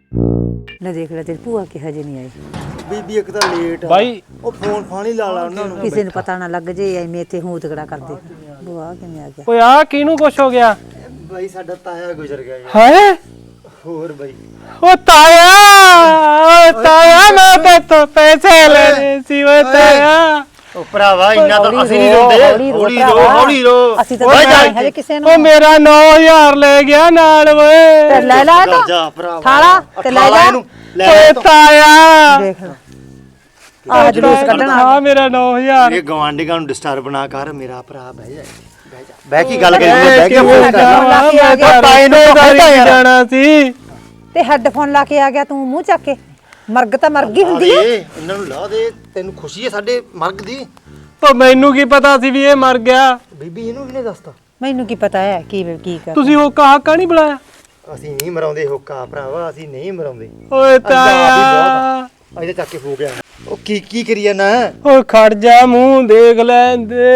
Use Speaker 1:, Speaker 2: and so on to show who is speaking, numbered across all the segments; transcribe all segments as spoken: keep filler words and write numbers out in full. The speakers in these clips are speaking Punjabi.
Speaker 1: ਲੈ ਦੇਖ ਲੈ ਤੇਰੀ ਭੂਆ ਕਿ ਹਜੇ ਨਹੀਂ ਆਈ।
Speaker 2: ਬੀਬੀ ਇੱਕ ਤਾਂ ਲੇਟ ਆ
Speaker 3: ਬਾਈ
Speaker 2: ਉਹ ਫੋਨ ਫਾਣੀ ਲਾ ਲਾ ਉਹਨਾਂ ਨੂੰ
Speaker 1: ਕਿਸੇ ਨੂੰ ਪਤਾ ਨਾ ਲੱਗ ਜੇ ਐਵੇਂ ਇੱਥੇ ਹੂੰ ਤਗੜਾ ਕਰਦੇ। ਬੁਆ ਕਿਵੇਂ ਆ ਗਿਆ?
Speaker 3: ਓਏ ਆ ਕਿਹਨੂੰ ਕੁਛ ਹੋ ਗਿਆ?
Speaker 2: ਬਾਈ ਸਾਡਾ ਤਾਇਆ ਗੁਜ਼ਰ ਗਿਆ ਯਾਰ।
Speaker 3: ਹੈ
Speaker 2: ਹੋਰ ਬਾਈ
Speaker 3: ਓ ਤਾਇਆ ਓ ਤਾਇਆ ਮੈਂ ਤੇਤੋਂ ਪੈਸੇ ਲੈਣੇ ਸੀ ਓ ਤਾਇਆ।
Speaker 2: ਉਹ ਭਰਾਵਾ ਇੰਨਾ ਤਾਂ ਅਸੀਂ ਨਹੀਂ ਰੋਂਦੇ। ਹੌਲੀ ਰੋ ਹੌਲੀ ਰੋ
Speaker 1: ਅਸੀਂ ਤਾਂ ਹਜੇ ਕਿਸੇ ਨੂੰ
Speaker 3: ਓ ਮੇਰਾ ਨੌ ਹਜ਼ਾਰ ਲੈ ਗਿਆ ਨਾਲ ਓਏ।
Speaker 1: ਤੇ ਲੈ ਲੈ ਤਾਂ
Speaker 2: ਜਾ ਭਰਾਵਾ
Speaker 1: ਥਾਲਾ ਤੇ ਲੈ ਜਾ।
Speaker 3: ਓਏ ਤਾਇਆ
Speaker 1: ਦੇਖ ਲੈ ਆਹ ਜਲੂਸ ਕੱਢਣਾ
Speaker 3: ਆ ਮੇਰਾ ਨੌ ਹਜ਼ਾਰ।
Speaker 2: ਇਹ ਗਵਾਂਢੀਆਂ ਨੂੰ ਡਿਸਟਰਬ ਨਾ ਕਰ ਮੇਰਾ ਭਰਾ ਬਹਿ ਜਾ ਬਹਿ ਜਾ ਬਹਿ ਕੀ ਗੱਲ ਕਰੀ ਬਹਿ ਕੇ ਫੋਨ ਕਰ
Speaker 3: ਤਾਏ ਨੂੰ ਜਾਣਾ ਸੀ
Speaker 1: ਤੇ ਹੈੱਡਫੋਨ ਲਾ ਕੇ ਆ ਗਿਆ ਤੂੰ ਮੂੰਹ ਚੱਕ ਕੇ। ਮਰਗ ਤਾਂ ਮਰ ਗਈ ਹੁੰਦੀ ਹੈ।
Speaker 2: ਇਹਨਾਂ ਨੂੰ ਲਾ ਦੇ ਤੈਨੂੰ ਖੁਸ਼ੀ ਹੈ ਸਾਡੇ ਮਰਗ ਦੀ।
Speaker 3: ਓ ਮੈਨੂੰ ਕੀ ਪਤਾ ਸੀ ਵੀ ਇਹ ਮਰ ਗਿਆ।
Speaker 2: ਬੀਬੀ ਇਹਨੂੰ ਕਿਹਨੇ ਦੱਸਤਾ?
Speaker 1: ਮੈਨੂੰ ਕੀ ਪਤਾ ਹੈ ਕੀ ਕੀ ਕਰ।
Speaker 3: ਤੁਸੀਂ ਉਹ ਕਾਕਾ ਨਹੀਂ ਬੁਲਾਇਆ?
Speaker 2: ਅਸੀਂ ਨਹੀਂ ਮਰਾਉਂਦੇ ਹੋਕਾ ਭਰਾਵਾ ਅਸੀਂ ਨਹੀਂ ਮਰਾਉਂਦੇ।
Speaker 3: ਓਏ ਤਾਇਆ
Speaker 2: ਅਜੇ ਚੱਕ ਕੇ ਹੋ ਗਿਆ ਉਹ ਕੀ ਕੀ ਕਰੀ ਜਾਣਾ?
Speaker 3: ਓਏ ਖੜ ਜਾ ਮੂੰਹ ਦੇਖ ਲੈਂਦੇ।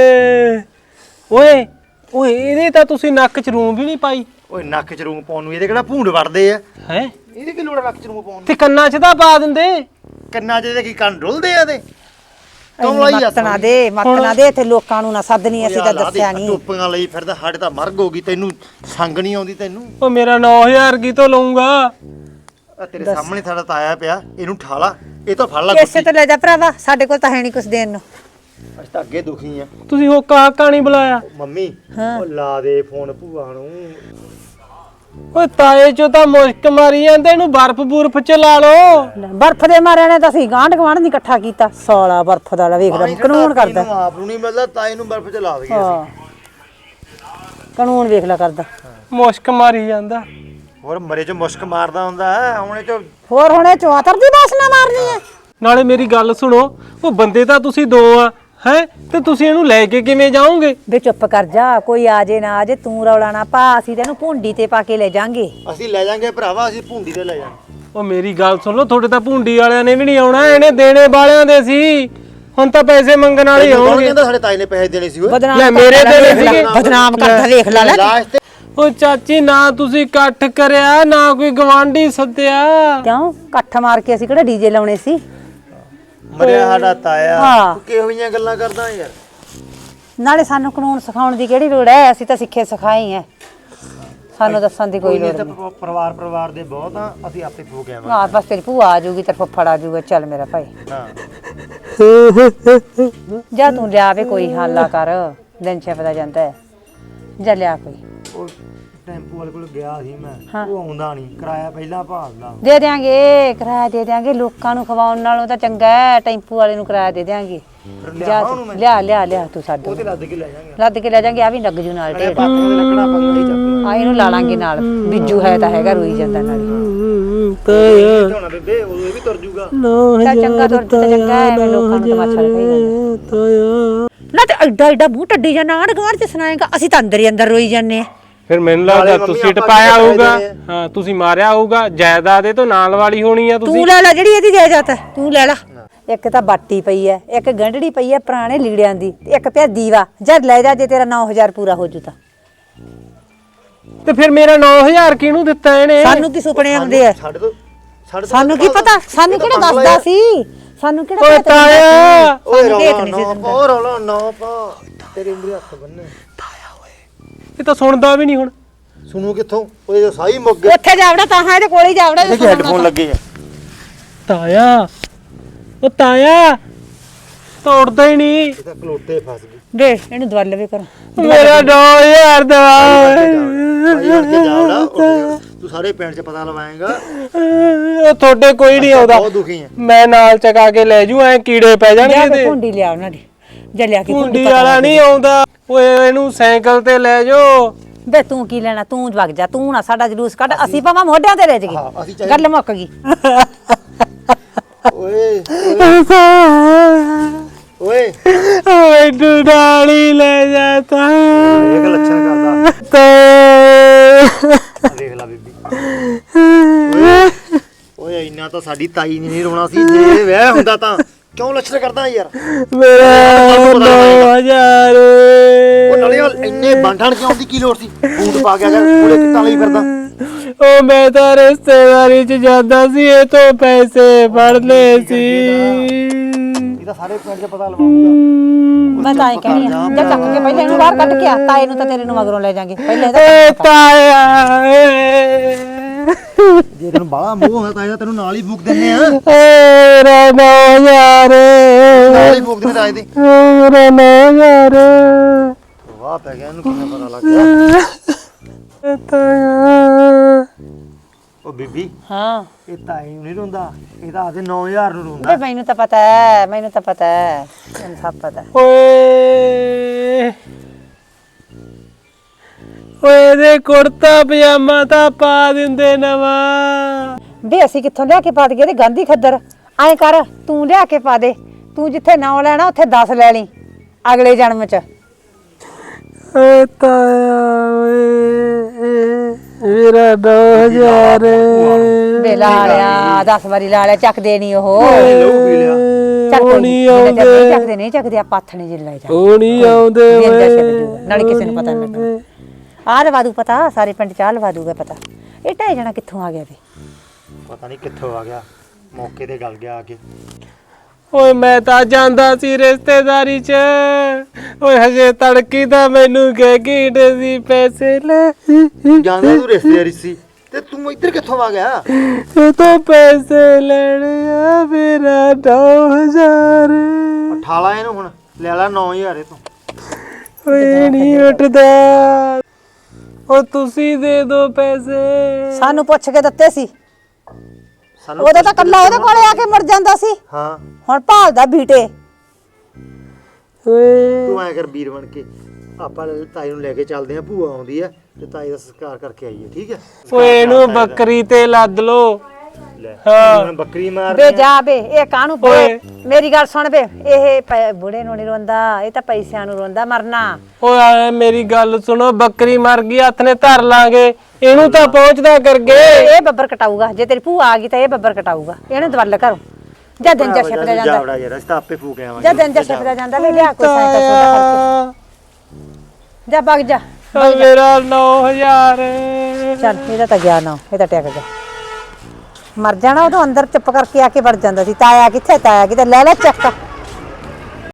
Speaker 3: ਓਏ ਓਏ ਇਹਦੇ ਤਾਂ ਤੁਸੀਂ ਨੱਕ ਚ ਰੂੰ ਵੀ ਨਹੀਂ ਪਾਈ।
Speaker 2: ਓਏ ਨੱਕ ਚ ਰੂੰ ਪਾਉਣ ਨੂੰ ਇਹਦੇ ਕਿਹੜਾ ਭੂੰਡ ਵੜਦੇ ਆ?
Speaker 3: ਹੈ
Speaker 2: ਇਹਦੇ ਕੀ ਲੋੜ ਆ ਨੱਕ ਚ ਰੂੰ ਪਾਉਣ ਨੂੰ?
Speaker 3: ਤੇ ਕੰਨਾਂ ਚ ਤਾਂ ਪਾ ਦਿੰਦੇ।
Speaker 2: ਕੰਨਾਂ ਚ ਇਹਦੇ ਕੀ ਕੰਨ ਡੁੱਲਦੇ ਆ ਇਹਦੇ?
Speaker 1: ਮਤਨਾ ਦੇ ਮਤਨਾ ਦੇ ਇੱਥੇ ਲੋਕਾਂ ਨੂੰ ਨਾ ਸੱਦਨੀ ਅਸੀਂ ਤਾਂ ਦੱਸਿਆ ਨਹੀਂ।
Speaker 2: ਟੋਪੀਆਂ ਲਈ ਫਿਰਦਾ ਸਾਡੇ ਤਾਂ ਮਰਗ ਹੋ ਗਈ ਤੈਨੂੰ ਸੰਗ ਨਹੀਂ ਆਉਂਦੀ ਤੈਨੂੰ।
Speaker 3: ਓ ਮੇਰਾ ਨੌ ਹਜ਼ਾਰ ਕੀ ਤੋਂ ਲਊਂਗਾ?
Speaker 2: ਆ ਤੇਰੇ ਸਾਹਮਣੇ ਸਾਡਾ ਤਾਇਆ ਪਿਆ ਇਹਨੂੰ ਠਾਲਾ ਇਹ ਤਾਂ ਫੜ ਲਾ
Speaker 1: ਇਸੇ ਤੋਂ ਲੈ ਜਾ ਭਰਾਵਾ ਸਾਡੇ ਕੋਲ ਤਾਂ ਹੈ ਨਹੀਂ ਕੁਛ ਦੇਣ ਨੂੰ।
Speaker 2: ਅਸੀਂ ਤਾਂ ਅੱਗੇ ਦੁਖੀ ਆ।
Speaker 3: ਤੁਸੀਂ ਉਹ ਕਾਕਾ ਨਹੀਂ ਬੁਲਾਇਆ?
Speaker 2: ਮੰਮੀ ਉਹ ਲਾ ਦੇ ਫੋਨ ਭੂਆ ਨੂੰ।
Speaker 3: ਓਏ ਤਾਏ ਚੋਂ ਤਾਂ ਮੁਸ਼ਕ ਮਾਰੀ ਜਾਂਦੇ ਇਹਨੂੰ ਬਰਫ ਬੁਰਫ ਚ ਲਾ ਲਓ।
Speaker 1: ਬਰਫ ਦੇ ਮਾਰਿਆਂ ਨੇ ਤਾਂ ਅਸੀਂ ਗਾਂਢ ਗਵਾਂਢ ਨਹੀਂ ਇਕੱਠਾ ਕੀਤਾ। ਸਾਲਾ ਬਰਫ ਦਾ ਵੇਖ ਲੈ ਕਾਨੂੰਨ ਕਰਦਾ।
Speaker 2: ਆਪ ਨੂੰ ਨਹੀਂ ਮਿਲਦਾ ਤਾਏ ਨੂੰ ਬਰਫ ਚ ਲਾ ਦਈਏ ਅਸੀਂ।
Speaker 1: ਕਾਨੂੰਨ ਵੇਖ ਲੈ ਕਰਦਾ।
Speaker 3: ਮੁਸ਼ਕ ਮਾਰੀ ਜਾਂਦਾ।
Speaker 2: ਹੋਰ ਮਰੇ ਚ ਮੁਸ਼ਕ ਮਾਰਦਾ ਹੁੰਦਾ ਹੈ ਹੁਣੇ ਚ।
Speaker 1: ਹੋਰ ਹੁਣੇ ਚੌਤਰ ਦੀ ਬਾਸਨਾ ਮਾਰਨੀ ਹੈ।
Speaker 3: ਨਾਲੇ ਮੇਰੀ ਗੱਲ ਸੁਣੋ ਉਹ ਬੰਦੇ ਤਾਂ ਤੁਸੀਂ ਦੋ ਆ ਹੈ ਤੇ ਤੁਸੀਂ ਇਹਨੂੰ ਲੈ ਕੇ ਕਿਵੇਂ ਜਾਓਗੇ?
Speaker 1: ਵੇ ਚੁੱਪ ਕਰ ਜਾ ਕੋਈ ਆ ਜੇ ਨਾ ਆ ਜੇ ਤੂੰ ਰੌਲਾ ਨਾ ਪਾ। ਅਸੀਂ ਤੈਨੂੰ ਭੁੰਡੀ ਤੇ ਪਾ ਕੇ ਲੈ ਜਾਾਂਗੇ।
Speaker 2: ਅਸੀਂ ਲੈ ਜਾਾਂਗੇ ਭਰਾਵਾ ਅਸੀਂ ਭੁੰਡੀ ਤੇ ਲੈ ਜਾਾਂਗੇ।
Speaker 3: ਉਹ ਮੇਰੀ ਗੱਲ ਸੁਣ ਲਓ ਤੁਹਾਡੇ ਤਾਂ ਭੁੰਡੀ ਵਾਲਿਆਂ ਨੇ ਵੀ ਨਹੀਂ ਆਉਣਾ ਇਹਨੇ ਦੇਣੇ ਵਾਲਿਆਂ ਦੇ ਸੀ। ਹੁਣ ਤਾਂ ਪੈਸੇ ਮੰਗਣ ਵਾਲੇ ਹੀ ਆਉਣਗੇ।
Speaker 2: ਕਹਿੰਦਾ ਸਾਡੇ ਤਾਏ ਨੇ ਪੈਸੇ ਦੇਣੇ ਸੀ ਓਏ।
Speaker 3: ਲੈ ਮੇਰੇ ਤੇ ਸੀਗੇ।
Speaker 1: ਬਦਨਾਮ ਕਰਦਾ ਵੇਖ ਲੈ ਲੈ।
Speaker 2: ਲਾਸਟ
Speaker 3: ਉਹ ਚਾਚੀ ਨਾ ਤੁਸੀਂ ਇਕੱਠ ਕਰਿਆ ਨਾ ਕੋਈ ਗਵਾਂਢੀ ਸੱਦਿਆ।
Speaker 1: ਕਿਉਂ ਇਕੱਠ ਮਾਰ ਕੇ ਅਸੀਂ ਕਿਹੜਾ ਡੀਜੇ ਲਾਉਣੇ ਸੀ?
Speaker 2: ਮਰਿਆ ਸਾਡਾ ਤਾਇਆ।
Speaker 1: ਹਾਂ।
Speaker 2: ਤੂੰ ਕਿਹੋ ਜਿਹੀਆਂ ਗੱਲਾਂ ਕਰਦਾ ਯਾਰ?
Speaker 1: ਨਾਲੇ ਸਾਨੂੰ ਕਾਨੂੰਨ ਸਿਖਾਉਣ ਦੀ ਕਿਹੜੀ ਲੋੜ ਹੈ? ਅਸੀਂ ਤਾਂ ਸਿੱਖੇ ਸਿਖਾਏ ਆ। ਸਾਨੂੰ ਦੱਸਣ ਦੀ ਕੋਈ ਲੋੜ ਨਹੀਂ।
Speaker 2: ਪਰਿਵਾਰ ਪਰਿਵਾਰ ਦੇ ਬਹੁਤ ਆ ਅਸੀਂ ਆਪੇ ਫੋ ਕੇ ਆਵਾਂਗੇ।
Speaker 1: ਹਾਂ ਬਸ ਤੇਰੀ ਭੂਆ ਆ ਜਾਊਗੀ ਤੇ ਫੁੱਫੜ ਆ ਜਾਊਗਾ। ਚੱਲ ਮੇਰਾ ਭਾਈ
Speaker 2: ਹਾਂ
Speaker 1: ਜਾ ਤੂੰ ਲਿਆ ਵੇ ਕੋਈ ਹਾਲਾ ਕਰ। ਦਿਨ ਛਿਪਦਾ ਜਾਂਦਾ ਹੈ। ਜਾ ਲਿਆ ਕੋਈ।
Speaker 2: ਉਹ ਟੈਂਪੂ ਵਾਲੇ ਕੋਲ ਗਿਆ ਸੀ ਮੈਂ ਉਹ ਆਉਂਦਾ ਨਹੀਂ ਕਿਰਾਇਆ ਪਹਿਲਾਂ ਭਾਲਦਾ।
Speaker 1: ਦੇ ਦਿਆਂਗੇ ਕਿਰਾਇਆ ਦੇ ਦਿਆਂਗੇ। ਲੋਕਾਂ ਨੂੰ ਖਵਾਉਣ ਨਾਲੋਂ ਤਾਂ ਚੰਗਾ ਹੈ ਟੈਂਪੂ ਵਾਲੇ ਨੂੰ ਕਿਰਾਇਆ ਦੇ ਦਿਆਂਗੇ। ਜਾ ਤੂੰ ਲਿਆ ਲਿਆ ਲਿਆ ਤੂੰ ਸਾਡੇ
Speaker 2: ਉਹ ਤੇ ਲੱਦ ਕੇ ਲੈ ਜਾਾਂਗੇ।
Speaker 1: ਲੱਦ ਕੇ ਲੈ ਜਾਾਂਗੇ। ਆ ਵੀ ਲੱਗ ਜੂ ਨਾਲ ਢੇੜ।
Speaker 2: ਲੱਕੜਾ ਪੰਗਾ ਹੀ ਚੱਕ
Speaker 1: ਆ ਇਹਨੂੰ ਲਾ ਲਾਂਗੇ ਨਾਲ। ਬਿੱਜੂ ਹੈ ਤਾਂ ਹੈਗਾ ਰੋਈ ਜਾਂਦਾ ਨਾਲ।
Speaker 2: ਹੋਣਾ ਬੇਬੇ ਉਹ ਵੀ ਤੁਰ ਜੂਗਾ।
Speaker 1: ਚੱਲ ਚੰਗਾ ਤੁਰ ਤੇ ਚੰਗਾ ਐਵੇਂ ਲੋਕਾਂ ਨੂੰ ਤਮਾਸ਼ਾ ਲਗਾਈ ਜਾਂਦਾ। ਨਾ ਤੇ ਐਡਾ ਐਡਾ ਮੂੰਹ ਟੱਡੀ ਜਾਂਦਾ ਆਂਢ ਗੁਆਂਢ ਚ ਸੁਣਾਏਗਾ। ਅਸੀਂ ਤਾਂ ਅੰਦਰ ਹੀ ਅੰਦਰ ਰੋਈ ਜਾਂਦੇ ਆ।
Speaker 3: ਫਿਰ ਮੈਨੂੰ ਲੱਗਦਾ ਤੁਸੀਂ ਟਪਾਇਆ ਹੋਊਗਾ। ਹਾਂ ਤੁਸੀਂ ਮਾਰਿਆ ਹੋਊਗਾ। ਜਾਇਦਾਦ ਇਹ ਤੋਂ ਨਾਲ ਵਾਲੀ ਹੋਣੀ ਆ। ਤੁਸੀਂ
Speaker 1: ਤੂੰ ਲੈ ਲੈ ਜਿਹੜੀ ਇਹਦੀ ਜਾਇਦਾਦ ਹੈ ਤੂੰ ਲੈ ਲੈ। ਇੱਕ ਤਾਂ ਬਾਟੀ ਪਈ ਐ ਇੱਕ ਗੰਢੜੀ ਪਈ ਐ ਪੁਰਾਣੇ ਲੀੜਿਆਂ ਦੀ ਤੇ ਇੱਕ ਪਿਆ ਦੀਵਾ। ਜਦ ਲੈ ਜਾ ਜੇ ਤੇਰਾ ਨੌ ਹਜ਼ਾਰ ਪੂਰਾ ਹੋ ਜੂ ਤਾਂ।
Speaker 3: ਤੇ ਫਿਰ ਮੇਰਾ ਨੌ ਹਜ਼ਾਰ ਕਿਹਨੂੰ ਦਿੱਤਾ ਇਹਨੇ?
Speaker 1: ਸਾਨੂੰ ਕੀ ਸੁਪਨੇ ਆਉਂਦੇ ਆ?
Speaker 2: ਸਾਡੇ ਤੋਂ ਸਾਡੇ
Speaker 1: ਸਾਨੂੰ ਕੀ ਪਤਾ? ਸਾਨੂੰ ਕਿਹੜਾ ਦੱਸਦਾ ਸੀ? ਸਾਨੂੰ ਕਿਹੜਾ
Speaker 3: ਓਏ
Speaker 1: ਪਤਾ?
Speaker 3: ਤਾਇਆ
Speaker 2: ਓਏ ਰੌਲਾ ਨਾ ਪਾ ਰੌਲਾ ਨਾ ਪਾ ਤੇਰੇ ਮੂਰੇ ਹੱਥ ਬੰਨੇ।
Speaker 3: ਇਹ ਤਾਂ ਸੁਣਦਾ ਵੀ ਨਹੀਂ ਹੁਣ।
Speaker 2: ਸੁਣੂ ਕਿੱਥੋਂ? ਉਹਦੇ ਜੋ ਸਾਈ ਮੁੱਕ ਗਏ।
Speaker 1: ਉੱਥੇ ਜਾਵੜਾ ਤਾਂ ਹਾਂ ਇਹਦੇ ਕੋਲੇ ਹੀ ਜਾਵੜਾ।
Speaker 2: ਇਹਦੇ ਹੈੱਡਫੋਨ ਲੱਗੇ ਆ।
Speaker 3: ਤਾਇਆ ਉਹ ਤਾਇਆ ਤੋੜਦਾ ਹੀ ਨਹੀਂ।
Speaker 2: ਇਹ ਤਾਂ ਕਲੋਤੇ ਫਸ ਗਏ।
Speaker 1: ਦੇ ਇਹਨੂੰ ਦਵਾ ਲਵੇ ਕਰ।
Speaker 3: ਮੇਰਾ ਨੌ ਹਜ਼ਾਰ ਦਵਾ।
Speaker 2: ਤੂੰ ਸਾਰੇ ਪਿੰਡ 'ਚ ਪਤਾ ਲਵਾਏਗਾ।
Speaker 3: ਉਹ ਤੁਹਾਡੇ ਕੋਈ ਨਹੀਂ ਆਉਂਦਾ।
Speaker 2: ਬਹੁਤ ਦੁਖੀ ਆ
Speaker 3: ਮੈਂ ਨਾਲ ਚਕਾ ਕੇ ਲੈ ਜੂ ਐ ਕੀੜੇ ਪੈ ਜਾਣਗੇ ਤੇ।
Speaker 1: ਭੁੰਡੀ ਲਿਆ ਉਹਨਾਂ ਦੀ ਜਾ ਲਿਆ ਕੇ
Speaker 3: ਭੁੰਡੀ ਵਾਲਾ ਨਹੀਂ ਆਉਂਦਾ। ਓਏ ਇਹਨੂੰ ਸਾਈਕਲ ਤੇ ਲੈ ਜਾਓ।
Speaker 1: ਬੇ ਤੂੰ ਕੀ ਲੈਣਾ? ਤੂੰ ਵਗ ਜਾ। ਤੂੰ ਨਾ ਸਾਡਾ ਜਲੂਸ ਕੱਢ। ਅਸੀਂ ਭਾਵੇਂ ਮੋਢਿਆਂ ਤੇ ਲੈ ਜਾਈਏ। ਗੱਲ ਮੁੱਕ ਗਈ।
Speaker 2: ਓਏ ਓਏ
Speaker 3: ਓਏ ਡਾਲੀ ਲੈ ਜਾਤਾ।
Speaker 2: ਇਹ ਲੱਛਣ ਕਰਦਾ
Speaker 3: ਤੇ
Speaker 2: ਦੇਖ ਲੈ ਬੀਬੀ। ਓਏ ਇੰਨਾ ਤਾਂ ਸਾਡੀ ਤਾਈ ਨੇ ਨਹੀਂ ਰੋਣਾ ਸੀ ਜੇ ਵਿਆਹ ਹੁੰਦਾ ਤਾਂ। ਕਿਉਂ ਲੱਛਣ ਕਰਦਾ ਯਾਰ?
Speaker 3: ਮੇਰਾ ਨੌ ਹਜ਼ਾਰ।
Speaker 2: ਉਹ ਨਾਲੇ ਇੰਨੇ ਬਾਂਠਣ ਕਿਉਂ ਦੀ ਕੀ ਲੋੜ ਸੀ? ਬੂਟ ਪਾ ਕੇ ਆ ਗਿਆ ਪੂਰੇ ਕਿੱਟਾਂ ਲਈ ਫਿਰਦਾ।
Speaker 3: ਉਹ ਮੈਂ ਤਾਂ ਰਿਸ਼ਤੇਦਾਰੀ ਚ ਜਾਂਦਾ ਸੀ ਇਹ ਤੋਂ ਪੈਸੇ ਫੜ ਲਏ ਸੀ।
Speaker 2: ਇਹ ਤਾਂ ਸਾਰੇ ਪਿੰਡ 'ਚ ਪਤਾ ਲਵਾਉਂਗਾ।
Speaker 1: ਮੈਂ ਤਾਂ ਐ ਕਹਿਣੀ ਆ ਜਾ ਚੱਕ ਕੇ ਪਹਿਲੇ ਇਹਨੂੰ ਬਾਹਰ ਕੱਢ ਕੇ ਆ, ਤਾਏ ਨੂੰ ਤਾਂ ਤੇਰੇ ਨੂੰ ਮਗਰੋਂ ਲੈ ਜਾਾਂਗੇ ਪਹਿਲੇ ਇਹਦਾ
Speaker 3: ਏ ਤਾਇਆ
Speaker 2: ਜੇ ਤੈਨੂੰ ਬਾਹਲਾ ਮੂੰਹ ਹੁੰਦਾ ਤਾਂ ਤੈਨੂੰ ਨਾਲ ਹੀ ਫੂਕ ਦਿੰਨੇ ਆ।
Speaker 3: ਏ ਰੇ ਨੋ ਯਾਰ
Speaker 2: ਨਾਲ ਹੀ ਫੂਕ ਦਿੰਨੇ ਤਾਂ ਇਹਦੇ
Speaker 3: ਰੇ ਨੋ ਯਾਰ
Speaker 2: ਵਾਹ ਪੈ ਗਿਆ ਇਹਨੂੰ ਕਿੰਨਾ ਪਤਾ ਲੱਗ ਗਿਆ।
Speaker 3: ਤਾਇਆ
Speaker 2: ਉਹ ਬੀਬੀ
Speaker 1: ਹਾਂ
Speaker 2: ਇਹ ਤਾਈ ਨੂੰ ਨਹੀਂ ਰੋਂਦਾ, ਇਹ ਤਾਂ ਆਦੇ ਨੌ ਹਜ਼ਾਰ ਨੂੰ
Speaker 1: ਬੇ
Speaker 2: ਰੋਂਦਾ।
Speaker 1: ਮੈਨੂੰ ਤਾਂ ਪਤਾ ਹੈ, ਮੈਨੂੰ ਤਾਂ ਪਤਾ ਹੈ, ਮੈਨੂੰ ਸਭ ਪਤਾ।
Speaker 3: ਓਏ ਓਏ ਇਹਦੇ ਕੁੜਤਾ ਪਜਾਮਾ ਤਾਂ ਪਾ ਦਿੰਦੇ ਨਵਾਂ।
Speaker 1: ਬੇ ਅਸੀਂ ਕਿੱਥੋਂ ਲਿਆ ਕੇ ਪਾ ਦਈਏ ਇਹਦੇ ਗਾਂਧੀ ਖੱਦਰ। ਐਂ ਕਰ ਤੂੰ ਲਿਆ ਕੇ ਪਾ ਦੇ, ਤੂੰ ਜਿੱਥੇ ਨੌ ਲੈਣਾ ਉੱਥੇ ਦਸ ਲੈ ਲਈ ਅਗਲੇ ਜਨਮ ਚ।
Speaker 3: ਓਏ ਤਾਇਆ ਓਏ ਮੇਰਾ ਦੋ ਹਜ਼ਾਰ
Speaker 1: ਬੇ ਲਾ ਲਿਆ ਦਸ ਵਾਰੀ ਲਾ ਲਿਆ, ਚੱਕਦੇ ਨਹੀਂ ਉਹ।
Speaker 2: ਲਹੂ ਪੀ ਲਿਆ।
Speaker 1: ਚੱਕ
Speaker 3: ਉਹ ਨਹੀਂ ਆਉਂਦੇ
Speaker 1: ਨਹੀਂ ਚੱਕਦੇ ਨਹੀਂ ਚੱਕਦੇ ਆ ਪਾਥਣੇ ਜਿ ਲੈ ਜਾ
Speaker 3: ਉਹ ਨਹੀਂ ਆਉਂਦੇ
Speaker 1: ਵੇਂਦਾ ਛੱਡ ਜੂਗਾ, ਨਾਲੇ ਕਿਸੇ ਨੂੰ ਪਤਾ ਨਹੀਂ ਲੱਗਣਾ। ਆਹ ਲਵਾ ਦੂ ਪਤਾ, ਸਾਰੇ ਪਿੰਡ ਚ ਆਹ ਲਵਾ ਦੂਗਾ ਪਤਾ। ਇਹ ਢਾਈ ਜਣਾ ਕਿੱਥੋਂ ਆ ਗਿਆ ਵੇ?
Speaker 2: ਪਤਾ ਨਹੀਂ ਕਿੱਥੋਂ ਆ ਗਿਆ, ਮੌਕੇ ਤੇ ਗਲ ਗਿਆ ਆ ਕੇ।
Speaker 3: ਓਏ ਮੈਂ ਤਾਂ ਜਾਂਦਾ ਸੀ ਰਿਸ਼ਤੇਦਾਰੀ ਚ, ਓਏ ਹਜੇ ਤੜਕੀ ਦਾ ਮੈਨੂੰ ਕਹਿ ਕੇ ਸੀ ਪੈਸੇ ਲੈ।
Speaker 2: ਜਾਂਦਾ ਤੂੰ ਰਿਸ਼ਤੇਦਾਰੀ ਸੀ ਤੇ ਤੂੰ ਇੱਧਰ ਕਿੱਥੋਂ ਆ ਗਿਆ?
Speaker 3: ਇਹ ਤਾਂ ਪੈਸੇ ਲੈਣੇ ਆ ਮੇਰਾ ਦੋ ਹਜ਼ਾਰ।
Speaker 2: ਠਾਲਾ ਇਹਨੂੰ ਹੁਣ, ਲੈ ਲੈ ਨੌ ਹਜ਼ਾਰ ਇਹ ਤੋਂ।
Speaker 3: ਓਏ ਨਹੀਂ ਉੱਠਦਾ, ਓ ਤੁਸੀਂ ਦੇ ਦੋ ਪੈਸੇ।
Speaker 1: ਸਾਨੂੰ ਪੁੱਛ ਕੇ ਦਿੱਤੇ ਸੀ,
Speaker 2: ਸਾਨੂੰ
Speaker 1: ਉਹਦਾ ਤਾਂ ਕੱਲਾ ਉਹਦੇ ਕੋਲੇ ਆ ਕੇ ਮੁੜ ਜਾਂਦਾ ਸੀ।
Speaker 2: ਹਾਂ
Speaker 1: ਹੁਣ ਭਾਲਦਾ ਬੀਟੇ।
Speaker 3: ਓਏ
Speaker 2: ਤੂੰ ਐ ਕਰ ਵੀਰ ਬਣ ਕੇ ਆਪਾਂ ਤਾਈ ਨੂੰ ਲੈ ਕੇ ਚੱਲਦੇ ਆ, ਭੂਆ ਆਉਂਦੀ ਆ ਤੇ ਤਾਈ ਦਾ ਸੰਸਕਾਰ ਕਰਕੇ ਆਈਏ, ਠੀਕ ਹੈ?
Speaker 3: ਓਏ ਇਹਨੂੰ ਬੱਕਰੀ ਤੇ ਲੱਦ ਲੋ।
Speaker 2: ਲੈ
Speaker 3: ਹਾਂ
Speaker 2: ਹੁਣ ਬੱਕਰੀ ਮਾਰ
Speaker 1: ਬੇ ਜਾ ਬੇ, ਇਹ ਕਾਹਨੂੰ ਬੇ?
Speaker 3: ਓਏ।
Speaker 1: ਮੇਰੀ ਗੱਲ ਸੁਣ ਬੇ, ਇਹ ਪ- ਬੁੜੇ ਨੂੰ ਨਹੀਂ ਰੋਂਦਾ, ਇਹ ਤਾਂ ਪੈਸਿਆਂ ਨੂੰ ਰੋਂਦਾ ਮਰਨਾ।
Speaker 3: ਓਏ ਮੇਰੀ ਗੱਲ ਸੁਣੋ, ਬੱਕਰੀ ਮਰ ਗਈ ਹੱਥ ਨੇ ਧਰ ਲਾਂਗੇ, ਇਹਨੂੰ ਤਾਂ ਪਹੁੰਚਦਾ ਕਰਗੇ।
Speaker 1: ਇਹ ਬੱਬਰ ਕਟਾਊਗਾ, ਜੇ ਤੇਰੀ ਭੂਆ ਆ ਗਈ ਤਾਂ ਇਹ ਬੱਬਰ ਕਟਾਊਗਾ। ਇਹਨੂੰ ਦਵਲ ਕਰੋ ਜਾਂ ਦਿਨ ਜਾ ਛਿਪਦਾ ਜਾਂਦਾ,
Speaker 2: ਜਾਵੜਾ ਯਾਰ, ਅਸੀਂ ਤਾਂ ਆਪੇ ਫੂਕ ਆਵਾਂਗੇ।
Speaker 1: ਜਾਂ ਦਿਨ ਜਾ ਛਿਪਦਾ ਜਾਂਦਾ। ਵੇ ਲਿਆ ਕੋਈ ਸਾਈਕਲ ਸੋਡਾ ਕਰਕੇ ਜਾ ਵਗ ਜਾ।
Speaker 3: ਓ ਮੇਰਾ ਨੌ ਹਜ਼ਾਰ।
Speaker 1: ਚੱਲ ਇਹਦਾ ਤਾਂ ਗਿਆ ਨਾ, ਇਹ ਤਾਂ ਟਿਕ ਗਿਆ। ਮਰ ਜਾਣਾ ਉਦੋਂ ਅੰਦਰ ਚੁੱਪ ਕਰਕੇ ਆ ਕੇ ਵੜ ਜਾਂਦਾ ਸੀ। ਤਾਇਆ ਕਿੱਥੇ, ਤਾਇਆ ਕਿਤੇ, ਲੈ ਲੈ ਚੱਕ।